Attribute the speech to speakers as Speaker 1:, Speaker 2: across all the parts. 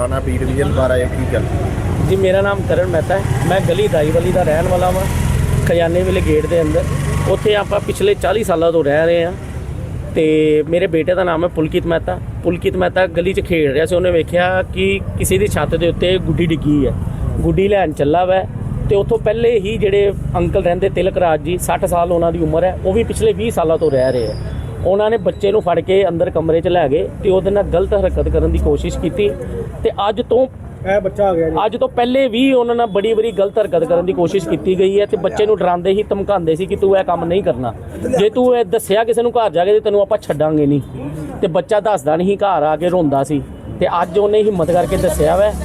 Speaker 1: थाना B division बार आए की गल?
Speaker 2: जी मेरा नाम करण मेहता है। मैं गली दाईवाली का रहने वाला वा, खजाने वाले गेट के अंदर। उत्थे आप पिछले 40 सालों तो रह रहे हैं। तो मेरे बेटे का नाम है पुलकित मेहता। पुलकित मेहता गली च खेल रहा से, उन्हें वेख्या कि किसी की छत के उत्ते गुड्डी डिग्गी है। गुड्डी लैन चला वै तो उतों पहले ही जोड़े अंकल रहते तिलक राज जी 60 साल उन्होंने उम्र है, वो भी पिछले 20 सालों तो रह रहे हैं। उन्होंने बच्चे को फड़ के अंदर कमरे च लै गए तो वो गलत हरकत करने की कोशिश की। अज तो पहले भी उन्होंने बड़ी बड़ी गलत हरकत करने की कोशिश की गई है। तो बच्चे को डराते ही धमकाते सी कि तू यह काम नहीं करना, जे तू दसिया किसी को घर जाके तो तेन आप छड्डांगे नहीं। तो बच्चा दसदा नहीं, घर आके रोंदा सी। ते अज उन्हें हिम्मत करके दसिया वै।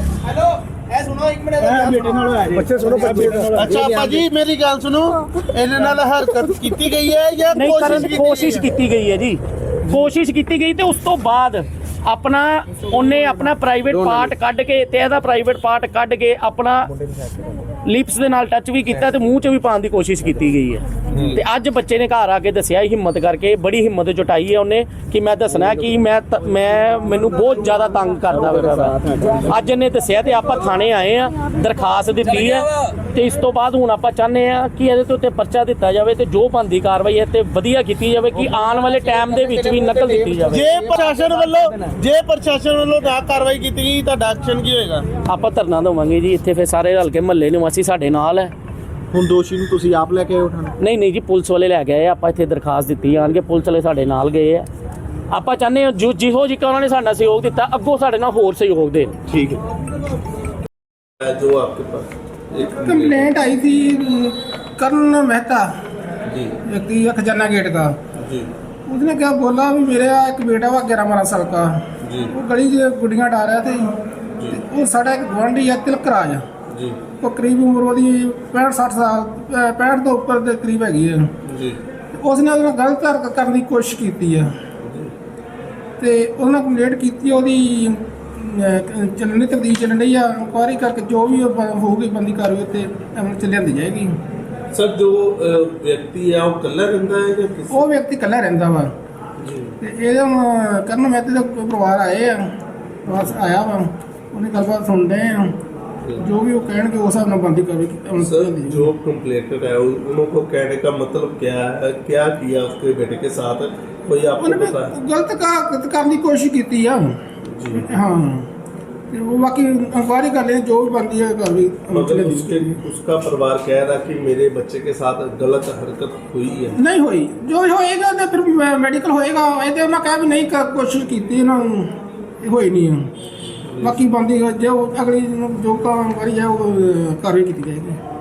Speaker 3: अच्छा भाजी मेरी गल सुनो, इन्हां नाल हरकत कीती गई है या
Speaker 2: कोशिश की गई है जी? कोशिश की गई। तो उस तो बाद अपना उन्हें अपना प्राइवेट पार्ट कढ़ के ते प्राइवेट पार्ट कढ़ के अपना लिप्स दे नाल टच भी किया तो मूँह च भी पाने की कोशिश की गई है। तो अज बच्चे ने घर आके दसिया हिम्मत करके, बड़ी हिम्मत जुटाई है उन्हें कि मैं दसना कि मैं मैनू बहुत ज़्यादा तंग करता वा। अज इन्हें दसिया तो आप थाने आए हैं, दरखास्त दी है। तो इस तो बाद हुण आपां चाहते हैं कि ये तो परचा दिता जाए तो जो बनती कार्रवाई है तो वधिया की जाए कि आने वाले टाइम के विच भी नकल दी जाए।
Speaker 3: जे प्रशासन वालों ना कार्रवाई की गई तो एक्शन की होएगा?
Speaker 2: आपां धरना देवांगे जी। इत्थे फिर सारे रल के महल्ले निवासी साडे नाल है।
Speaker 1: ਹੁਣ ਦੋਸ਼ੀ ਨੂੰ ਤੁਸੀਂ ਆਪ ਲੈ ਕੇ ਆਏ ਉਠਾਣਾ?
Speaker 2: नहीं जी, पुलिस वाले लै गए। आप इत्थे दरखास्त दी आनगे, पुलिस वाले साडे नाल गए है। आप चाहते हैं जो जिहो जिक्का उन्होंने साडा सहयोग दिता अगों साडे नाल होर सहयोग देन।
Speaker 1: ठीक है।
Speaker 3: जो आपके पास एक
Speaker 4: कंप्लेंट आई थी करण मेहता
Speaker 3: जी
Speaker 4: व्यक्ति खजाना गेट का।
Speaker 3: जी
Speaker 4: उसने क्या बोला भी मेरा एक बेटा वा 11-12 साल का,
Speaker 3: जी
Speaker 4: वो गली से गुड्डियाँ डाल रहा थे। वो साढ़ा एक गुआढ़ी है तिलक राज,
Speaker 3: जी
Speaker 4: वो करीब उम्र वो 65-60 साल 65 तो ऊपर के करीब हैगी है।
Speaker 3: जी
Speaker 4: उसने ਉਹਦੇ ਨਾਲ ਗਲਤ ਹਰਕਤ ਕਰਨ ਦੀ ਕੋਸ਼ਿਸ਼ ਕੀਤੀ ਹੈ ਤੇ ਉਹਨਾਂ ਕੰਪਲੇਂਟ ਕੀਤੀ। ਉਹਦੀ ਚੱਲਣੀ ਤਬਦੀਲ ਚੱਲਣ ਰਹੀ ਆ, ਇਨਕੁਆਇਰੀ ਕਰਕੇ ਜੋ ਵੀ ਹੋਊਗੀ ਬੰਦੀ ਕਾਰਵਾਈ ਉੱਤੇ ਅਮਲ ਚ ਲਿਆਂਦੀ ਜਾਏਗੀ।
Speaker 3: सर जो व्यक्ति है वो कल्ला रहता है या किसी?
Speaker 4: ਉਹ ਵਿਅਕਤੀ ਇਕੱਲਾ ਰਹਿੰਦਾ ਵਾ।
Speaker 3: जी
Speaker 4: ਤੇ ਇਹਦੇ ਕਰਨ ਮਹਿਤੇ ਦਾ ਪਰਿਵਾਰ ਆਏ ਆ, ਬਸ ਆਇਆ ਵਾ, ਉਹਨੇ ਗੱਲਬਾਤ ਸੁਣਦੇ ਆ, जो भी वो कहने उस हिसाब ਨਾਲ ਬੰਦੀ ਕਾਰਵਾਈ।
Speaker 3: सर जो कंप्लेंटेड है उनको कहने का मतलब क्या है, क्या किया उसके बेटे के साथ, कोई आपको पता है?
Speaker 4: गलत करने की कोशिश की है
Speaker 3: जी
Speaker 4: हाँ। वो बाकी इंक्वायरी कर लें, जो भी बनती है कार्रवाई।
Speaker 3: मगर उसका परिवार कह रहा कि मेरे बच्चे के साथ गलत हरकत हुई है।
Speaker 4: नहीं हुई, जो होएगा तो फिर मेडिकल होएगा। ये तो उन्हें कहा भी नहीं कोशिश की, होई नहीं है। बाकी बनती जो अगली जो इंक्वायरी है वो कार्रवाई की जाएगी।